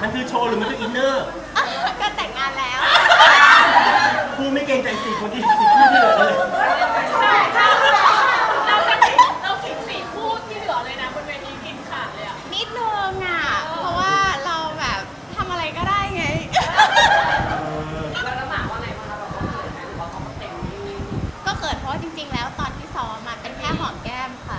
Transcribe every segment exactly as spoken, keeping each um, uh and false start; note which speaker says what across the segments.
Speaker 1: มันคือโชว์หรือมันคืออินเนอร์
Speaker 2: ก็แต่งงานแล้ว
Speaker 1: พูดไม่เกรงใจสี่คนที่สี่คู่ที่เหลือเลย
Speaker 3: เราจะเราขิงสี่คู่ที่เหลือเลยนะบนเวทีกินขาดเลยอ่ะ
Speaker 2: นิดนึงอ่ะเพราะว่าเราแบบทำอะไรก็ได้ไง
Speaker 3: แล้วแล้วหมาว่าไงบ้างคะเราเขินไหมหรือว่าเขาเต็ม
Speaker 2: ก็เกิดเพราะว่าจริงๆแล้วตอนที่ซ้อมมาเป็นแค่หอมแก้มค่ะ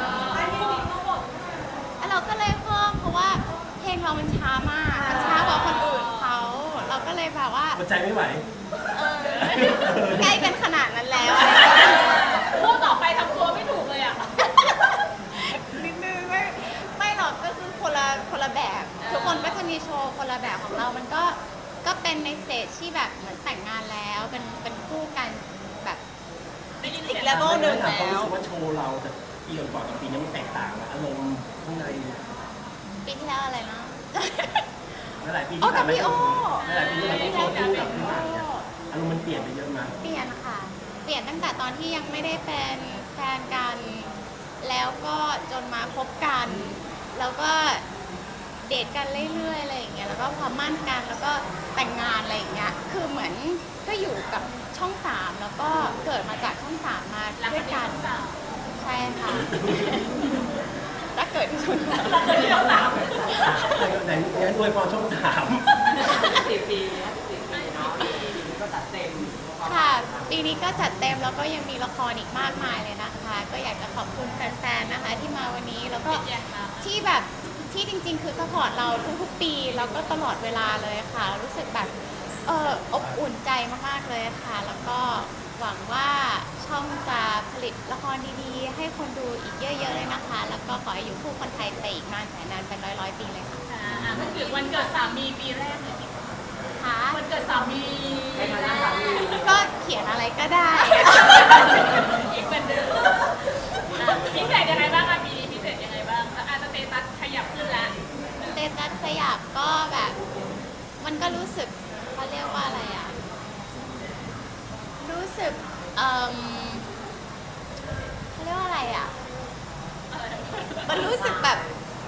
Speaker 2: แล้วเราก็เลยเพิ่มเพราะว่าเพลงเรามันช้ามากมันช้ากว่าคนอื่นเขาเราก็เลยแบบว่า
Speaker 1: หัวใจไม่ไหว
Speaker 2: เออใกล้กันขนาดนั้นแล้ว
Speaker 3: คู่ต่อไปทำตัวไม่ถูกเลยอ่ะ
Speaker 2: นิดนึงไม่ไม่หรอกก็คือคนละคนละแบบทุกคนก็จะมีโชว์คนละแบบของเรามันก็ก็เป็นในสเตจที่แบบเหมือนแต่งงานแล้วเป็นเป็นคู่กันแบบอีกเลเวลหนึ่งแล้ว
Speaker 1: รู้สึกว่าโชว์เราแต่ปีก่อนกับปีนี้มันแตกต่างอารมณ์ข้างใน
Speaker 2: ปีที่แล้วอะไรนะ
Speaker 1: หลายปีที่ผ่านมาหลายปีที่เราต้องโชว์คู่กับพี่หมากเนี่ยอารมณ์มันเปลี่ยนไปเยอะมาก
Speaker 2: เปลี่ยนค่ะเปลี่ยนตั้งแต่ตอนที่ยังไม่ได้เป็นแฟนกันแล้วก็จนมาคบกันแล้วก็เดทกันเรื่อยๆอะไรอย่างเงี้ยแล้วก็พอมั่นกันแล้วก็แต่งงานอะไรอย่างเงี้ยคือเหมือนก็อยู่กับช่องสามแล้วก็เกิดมาจากช่องสามมาด้วยกันใช่ค่ะถ้าเกิดที่ช่องสาม
Speaker 3: ที่ช่องสาม
Speaker 1: ไหนงั้นอวยพรช่องสาม
Speaker 3: สี่ปีสี่ปีเนาะก็จัดเต็ม
Speaker 2: ค่ะปีนี้ก็จัดเต็มแล้วก็ยังมีละครอีกมากมายเลยนะคะก็อยากจะขอบคุณแฟนๆนะคะที่มาวันนี้แล้วก็ที่แบบที่จริงๆคือซัพพอร์ตเราทุกๆปีแล้วก็ตลอดเวลาเลยค่ะรู้สึกแบบเอออบอุ่นใจมากๆเลยค่ะแล้วก็หวังว่าช่องจะผลิตละครดีๆให้คนดูอีกเยอะๆเลยนะคะแล้วก็ขอให้อยู่คู่คนไทยไปอีกนานแสนนานเป็นร้อยๆปีเลยค่ะ
Speaker 3: อ่ามันคือวันเกิดสามีปีแรกเลย
Speaker 2: ค่ะ
Speaker 3: วันเกิดสามี
Speaker 2: ก็เขียนอะไรก็ได้
Speaker 3: อีกเป็นเดิมพิเศษยังไงบ้างคะปีนี้พิเศษยังไงบ้างอาจจะสเตตัสขยับขึ้นแล้ว
Speaker 2: สเตตัสขยับก็แบบมันก็รู้สึกเขาเรียกว่าอะไรอ่ะรู้สึกเอ่อเขาเรียกว่าอะไรอ่ะมันรู้สึกแบบ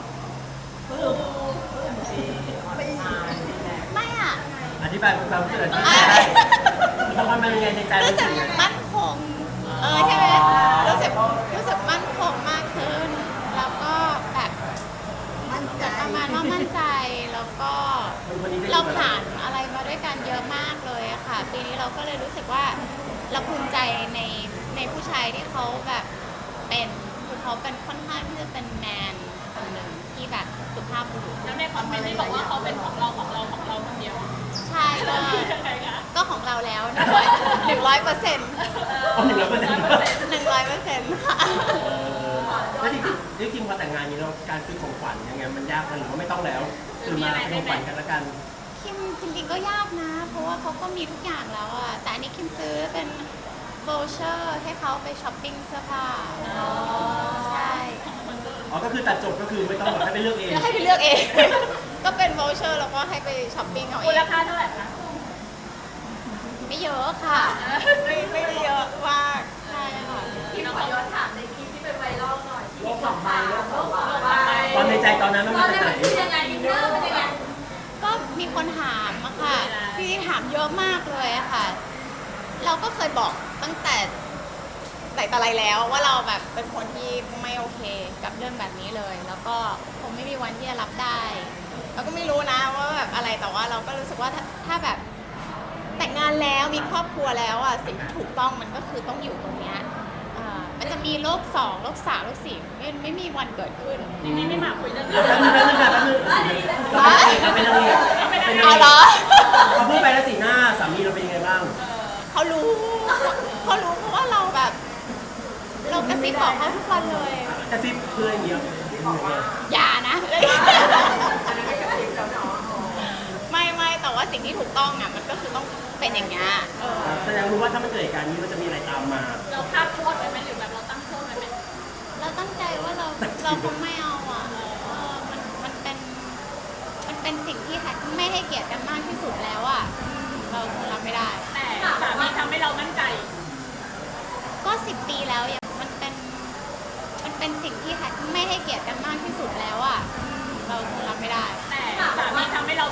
Speaker 2: ไม่อ่ะ
Speaker 1: อธิบายความรู้สึกอธิบายได้เพราะว่ามันยังไงในใจ
Speaker 2: รู้สึกมั่นคงเออใช่ไหมรู้สึกรู้สึกมั่นคงมากขึ้นแล้วก็แบบประมาณว่ามั่นใจแล้วก็เราผ่านอะไรมาด้วยกันเยอะมากเลยค่ะปีนี้เราก็เลยรู้สึกว่าเราภูมิใจในในผู้ชายที่เขาแบบเป็นคือเขาเป็นค่อนข้างที่จะเป็นแมนคนหนึ่งที่แบบสุภาพบุรุษ
Speaker 3: แล้วในคอมเมนต์ที่บอกว่าเขาเป็นของเราของเราของเราคนเดียว
Speaker 2: ใช่ก็ก็ของเราแล้วหนึ่งร้อยเปอร์เซ็นต์
Speaker 1: หนึ่งร้อยเปอร์เซ็นต์
Speaker 2: หนึ่งร้อยเปอร์เซ็นต์ค่ะ
Speaker 1: แล้วจริงจริงพอแต่งงานนี้เราการซื้อของขวัญยังไงมันยากหรือว่าไม่ต้องแล้วคือมาเป็นของขวัญกันละกัน
Speaker 2: คิมจริงๆก็ยากนะเพราะว่าเขาก็มีทุกอย่างแล้วอะแต่อันนี้คิมซื้อเป็นโวเชอร์ให้เขาไปช้อปปิ้งเสื้อผ้าใช่
Speaker 1: อ๋อก็คือตัดจบก็คือไม่ต้องแบบให้ไปเลือกเอง
Speaker 2: ให้ไปเลือกเองก็เป็นโวเชอร์แล้วก็ให้ไปช้อปปิ้งเอาเอง
Speaker 3: มูลค่าเท่าไหร่คะ
Speaker 2: ไม่เยอะค่ะไม่ไม่เยอะมากใช่ค่ะ
Speaker 3: ที่ขอย้อนถามในคลิปที่เป็นไวรัลหน่อยที่สองใบแล้วสองใบ
Speaker 1: ตอนในใจตอนนั้นมันเป็นไหน
Speaker 3: ยังไงอินเนอร์เป็นยังไง
Speaker 2: ก็มีคนถามอะค่ะพี่ถามเยอะมากเลยอะค่ะเราก็เคยบอกตั้งแต่แต่อะไรแล้วว่าเราแบบเป็นคนที่ไม่โอเคกับเรื่องแบบนี้เลยแล้วก็คงไม่มีวันที่จะรับได้เราก็ไม่รู้นะว่าแบบอะไรแต่ว่าเราก็รู้สึกว่าถ้าถ้าแบบแต่งงานแล้วมีครอบครัวแล้วอ่ะสิ่งที่ถูกต้องมันก็คือต้องอยู่ตรงเนี้ยมันจะมีโลกสองโลกสามโลกสี่ไม่ไม่มีวันเกิดขึ้น
Speaker 3: นี่ไม่มาคุยเรื่องนี้
Speaker 1: แป๊บนึงแป๊บนึงแป๊บนึงเป็นอะไรเป็นอะไร
Speaker 2: เอาเหรอ
Speaker 1: เขาพูดไปแล้วสีหน้าสามีเราเป็นยังไงบ้าง
Speaker 2: เขารู้เขารู้เพราะว่าเราแบบเรากระซิบบอกเขาทุกวันเลย
Speaker 1: กระซิบเพื่อนเยอะ
Speaker 2: อย่านะไม่ไม่แต่ว่าสิ่งที่ถูกต้องอ่ะมันก็คือต้องเป็นอย่างเงี้ย
Speaker 1: แสดงรู้ว่าถ้ามันเกิดเหตุการณ์นี้มันจะมีอะไรตามมา
Speaker 3: เราคาดโทษไว้ไหมหรือแบบเราตั้งโทษไว้ไหม
Speaker 2: เราตั้งใจว่าเราเราคงไม่เอาอ่ะมันมันเป็นมันเป็นสิ่งที่ไม่ให้เกียรติกันมากที่สุดแล้วอ่ะเราคงรับไม่ได้
Speaker 3: แต่สามีทำให้เรามั่นใจ
Speaker 2: ก็สิบปีแล้วอย่างมันเป็นมันเป็นสิ่งที่ไม่ให้เกียรติกันมากที่สุดแล้วอ่ะเราคงรับไม่ได้
Speaker 3: แต่สามีทำให้เรา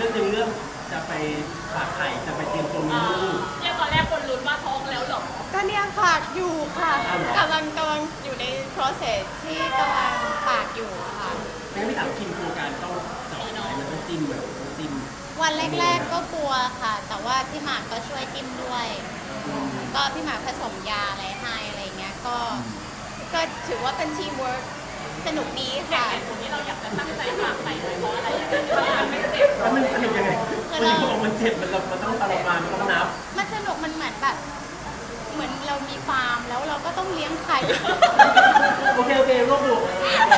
Speaker 1: รื่องหนึ่งเรื่องจะไปฝากไข่จะไปเตรียมตัวมีลูก
Speaker 3: เนี่ยตอนแรกคนลุ้นว่าท้องแล้วหรอ
Speaker 2: ก็เนี่ยฝากอยู่ค่ะ
Speaker 1: อ้าวเหรอ
Speaker 2: กำลังกำลังอยู่ใน process ที่กำลังฝากอยู่ค่ะ
Speaker 1: ไม่งั้นไม่ถามคิมกลัวการต้องเจาะไข่มันต้องจิ้มแบบต้องจิ้ม
Speaker 2: วันแรกๆก็กลัวค่ะ แต่ว่าพี่หมากก็ช่วยจิ้มด้วย ก็พี่หมากผสมยาอะไรให้อะไรเงี้ย ก็ ก็ถือว่าเป็นทีมเวิร์กสนุกดี
Speaker 3: แต่
Speaker 2: ค่ะ
Speaker 3: เหตุผลที่เราอยากจะตั้งใจฝากไข่เลยเพราะอะไรอย่างเงี้ยเพราะมันไม่เจ็บ
Speaker 1: แล้วมันสนุกยังไงมันที่บอกมันเจ็บมันเรามันต้องทรมานมันต้องนับ
Speaker 2: มันสนุกมันเหมือนแบบ เหมือนเรามีฟาร์มแล้วเราก็ต้องเลี้ยงไข่
Speaker 1: โอเคโอเครวบรวม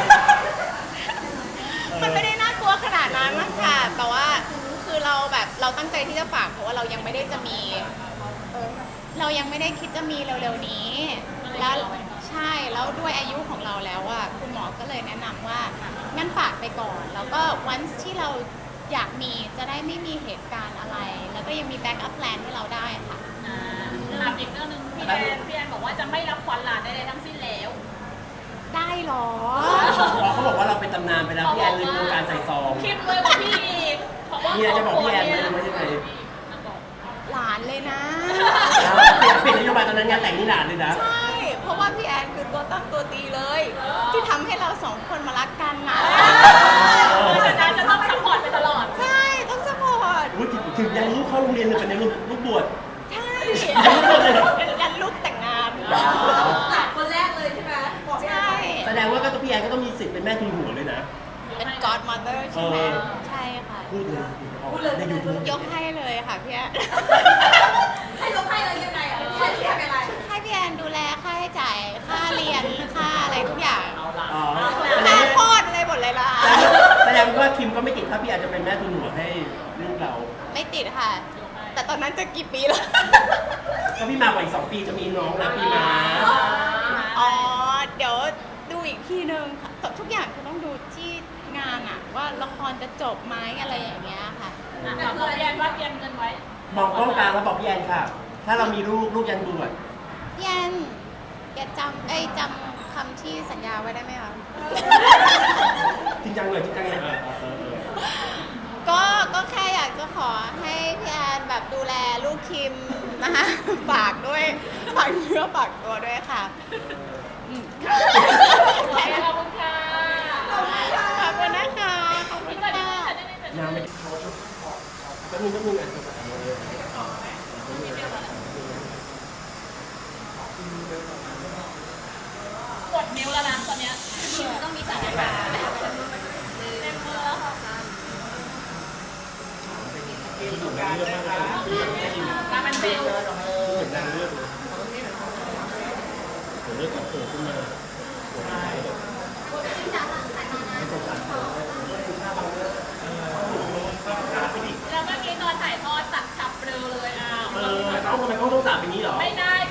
Speaker 2: มันไม่ได้น่ากลัวขนาดนั้นมั้งค่ะ แต่ว่าคือเราแบบเราตั้งใจที่จะฝากเพราะว่าเรายังไม่ได้จะมีเออเรายังไม่ได้คิดจะมีเร็วๆนี้ แล้วใช่ แล้วด้วยอายุของเราแล้วอะคุณหมอก็เลยแนะนำว่างั้นฝากไปก่อน แล้วก็วันที่เราอยากมีจะได้ไม่มีเหตุการณ์อะไร แล้วก็ยังมีแบ็กอัพแพลนให้เราได้ค่ะ
Speaker 3: อ่าถามอีกเรื่องหนึงพี่แอนพี่แอนบอกว่าจะไม่รับขวัญหลานใดๆทั้งสิ้นแล้ว
Speaker 2: ได้เหรอ
Speaker 1: พอเขาบอกว่าเราเป็นตำนานไปแล้วพี่แอนลืมวงการใส่ซอง
Speaker 3: คิดเลยว่าพี่อีกเพราะว่า
Speaker 1: เนี่ยจะบอกพี่แอนเลยว่ายังไง
Speaker 2: หลานเลยนะ
Speaker 1: เปลี่ยนนโยบายตอนนั้นงานแต่งนี่หลานเลยนะ
Speaker 2: ใช่ เพราะว่าพี่แอนคือตัวตั้งตัวตีเลย ที่ทำให้เราสองคนมารักกันนะ
Speaker 3: เพราะฉะนั้นจะต้องซัพพอร์ตไปตลอด
Speaker 2: ใช่ ต้องสปอร์ต
Speaker 1: อุ๊ยถึงถึงยันลูกเข้าโรงเรียนเลยเป็นในลูกลูกบวช
Speaker 2: ใช่ยันลูกแต่งงาน
Speaker 4: หลานคนแรกเลยใช่ไหมบอก
Speaker 2: ใช่
Speaker 1: แสดงว่าก็ต้องพี่แอนก็ต้องมีสิทธิ์เป็นแม่ทุนหัวเลยนะ
Speaker 2: เป็น godmother ใช่ไหม
Speaker 1: เออ
Speaker 2: ใช่ค่ะ
Speaker 1: พูดเลยในยูทูบ
Speaker 2: ยกให้เลยค่ะพี่แอน
Speaker 4: ให้ลงให้เลยยังไงอ่ะพี่แอนเรียกอะไร
Speaker 2: ให้พี่แอนดูแลค่าใช้จ่ายค่าเรียนค่าอะไรทุกอย่าง
Speaker 1: อ๋อ
Speaker 2: ค่าโคตรอะไรหมดเลยล่ะ
Speaker 1: แสดงว่าคิมก็ไม่ติดถ้าพี่แอนจะเป็นแม่ทุนหัวให้ลูกเรา
Speaker 2: ไม่ติดค่ะ แต่ตอนนั้นจะกี่ปีแล้ว
Speaker 1: ก็พี่มากกว่าอีกสองปีจะมีน้องนะปีมา
Speaker 2: อ๋อ เดี๋ยวดูอีกทีนึงค่ะแต่ทุกอย่างคือต้องดูที่งานอะว่าละครจะจบไหมอะไรอย่างเงี้ยค่ะ
Speaker 3: ถามพี่แอนว่าเตรียมเงินไว้
Speaker 1: มองกล้องกลางแล้วบอกพี่แอนค่ะ ถ้าเรามีลูกลูกยันบวช
Speaker 2: พี่แอนแกจำเอ้ยจำคำที่สัญญาไว้ได้ไหมคะ
Speaker 1: จริงจังเลยจริงจังเลยเออเออเออ
Speaker 2: ก็ก็แค่อยากจะขอให้พี่แอนแบบดูแลลูกคิมนะคะฝากด้วยฝากเนื้อฝากตัวด้วยค่ะอืม
Speaker 3: โอเคขอบคุณค่ะ
Speaker 2: ขอบคุณนะคะขอบคุณ
Speaker 3: พี่เกิด
Speaker 2: ค่ะ
Speaker 3: ได้ไม่เกิด
Speaker 1: น้ำไม่แป๊บนึงแป๊บนึงอ่ะ
Speaker 3: กดนิ้วแล้วนะตอนเนี้ยต้องมีสัญญาณเต็มมือแล้วค่ะมามันเป็น
Speaker 1: เหมือนนางเลือดเลยเลือดออกโผล่ขึ้นมา
Speaker 3: แล้วเมื่อกี้ตอนถ่ายทอดตัดฉับเปลือเลยอ้าว
Speaker 1: เออเขาทำไมเขาต้องสาบอย่างนี้เหรอ
Speaker 3: ไม่ได้